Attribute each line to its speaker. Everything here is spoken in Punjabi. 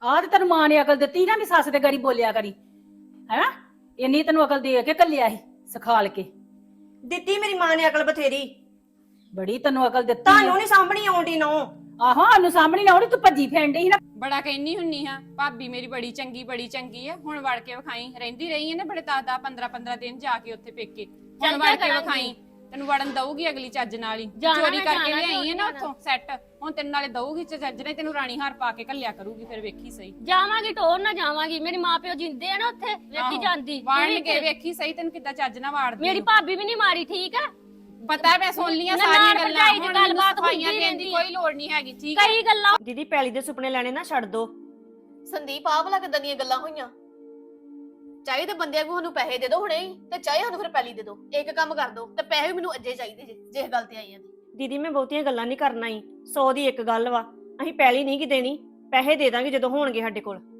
Speaker 1: ਆਹ ਤੇ ਤੈਨੂੰ ਮਾਂ ਨੇ ਅਕਲ ਦਿੱਤੀ ਨਾ ਵੀ ਸੱਸ ਦੇ ਗਾੜੀ ਬੋਲਿਆ ਕਰੀ ਹੈਨਾ। ਇੰਨੀ ਤੈਨੂੰ ਅਕਲ ਦੇ ਕੇ ਘੱਲਿਆ ਸੀ ਸਿਖਾਲ ਕੇ।
Speaker 2: ਦਿੱਤੀ ਮੇਰੀ ਮਾਂ ਨੇ ਅਕਲ ਬਥੇਰੀ।
Speaker 1: ਬੜੀ ਤੈਨੂੰ ਅਕਲ ਦਿੱਤੀ
Speaker 2: ਤੁਹਾਨੂੰ ਨਹੀਂ ਸਾਂਭਣੀ ਆਉਂਦੀ ਨੋ।
Speaker 1: ਆਹੋ ਸਾਨੂੰ ਸਾਹਮਣੇ ਨਾ ਉਹਦੀ ਤੂੰ ਭੱਜੀ ਫੈਂਡ ਸੀ ਨਾ।
Speaker 3: ਬੜਾ ਕਹਿੰਨੀ ਹੁੰਨੀ ਹਾਂ ਭਾਬੀ ਮੇਰੀ ਬੜੀ ਚੰਗੀ ਆ। ਹੁਣ ਵੜ ਕੇ ਵਿਖਾਈ। ਰਹਿੰਦੀ ਰਹੀ ਹੈ ਨਾ ਬੜੇ 10 15 ਦਿਨ ਜਾ ਕੇ ਉੱਥੇ ਪੇਕੇ। ਹੁਣ ਵੜ ਕੇ ਵਿਖਾਈ। ਤੈਨੂੰ ਵੜਨ ਦਊਗੀ ਅਗਲੀ ਚੱਜ ਨਾਲ ਹੀ। ਚੋਰੀ ਕਰਕੇ ਲਿਆਈ ਹੈ ਨਾ ਉੱਥੋਂ ਸੈੱਟ। ਹੁਣ ਤੈਨੂੰ ਨਾਲੇ ਦਊਗੀ ਚੱਜ ਨੇ ਤੈਨੂੰ ਰਾਣੀ ਹਾਰ ਪਾ ਕੇ ਘੱਲਿਆ ਕਰੂਗੀ। ਫਿਰ ਵੇਖੀ ਸਹੀ।
Speaker 4: ਜਾਵਾਂਗੀ ਟੋਰ ਨਾ ਜਾਵਾਂਗੀ। ਮੇਰੇ ਮਾਪਿਓ ਜਿੰਦੇ ਆ ਨਾ ਉੱਥੇ ਵੇਖੀ ਜਾਂਦੀ।
Speaker 3: ਵਾੜਨ ਕੇ ਵੇਖੀ ਸਹੀ ਤੈਨੂੰ ਕਿੱਦਾਂ ਚੱਜ ਨਾਲ ਵਾੜਦੀ।
Speaker 4: ਮੇਰੀ ਭਾਬੀ ਵੀ ਨਹੀਂ ਮਾਰੀ ਠੀਕ ਆ।
Speaker 3: ਪਤਾ ਮੈਂ ਸੁਣ ਲੀਆਂ ਸਾਰੀਆਂ ਗੱਲਾਂ। ਹੁਣ ਗੱਲਬਾਤ ਹੋਈਆਂ ਦੇਣ ਦੀ ਕੋਈ ਲੋੜ ਨਹੀਂ ਹੈਗੀ ਠੀਕ ਹੈ।
Speaker 4: ਕਈ ਗੱਲਾਂ
Speaker 2: ਦੀਦੀ ਪੈਲੀ ਦੇ ਸੁਪਨੇ ਲੈਣੇ ਨਾ ਛੱਡ ਦੋ।
Speaker 5: ਸੰਦੀਪ ਆਹ ਵਾਲਾ ਕਿੱਦਾਂ ਦੀਆਂ ਗੱਲਾਂ ਹੋਈਆਂ। ਚਾਹੇ ਤੇ ਬੰਦਿਆਂ ਨੂੰ ਸਾਨੂੰ ਪੈਸੇ ਦੇ ਦਿਓ ਹੁਣੇ ਹੀ ਤੇ ਚਾਹੇ ਸਾਨੂੰ ਫਿਰ ਪੈਲੀ ਦੇ ਦਿਓ। ਇੱਕ ਕੰਮ ਕਰ ਦਿਓ ਤੇ ਪੈਸੇ ਵੀ ਮੈਨੂੰ ਅੱਜੇ ਚਾਹੀਦੇ ਜੇ ਗੱਲ ਤੇ ਆਈ ਆ।
Speaker 2: ਦੀਦੀ ਮੈਂ ਬਹੁਤੀਆਂ ਗੱਲਾਂ ਨਹੀਂ ਕਰਨਾ ਹੀ। 100 ਦੀ ਇੱਕ ਗੱਲ ਵਾ। ਅਸੀਂ ਪੈਲੀ ਨਹੀਂ ਕਿ ਦੇਣੀ। ਪੈਸੇ ਦੇ ਦਾਂਗੇ ਜਦੋਂ ਹੋਣਗੇ ਸਾਡੇ ਕੋਲ।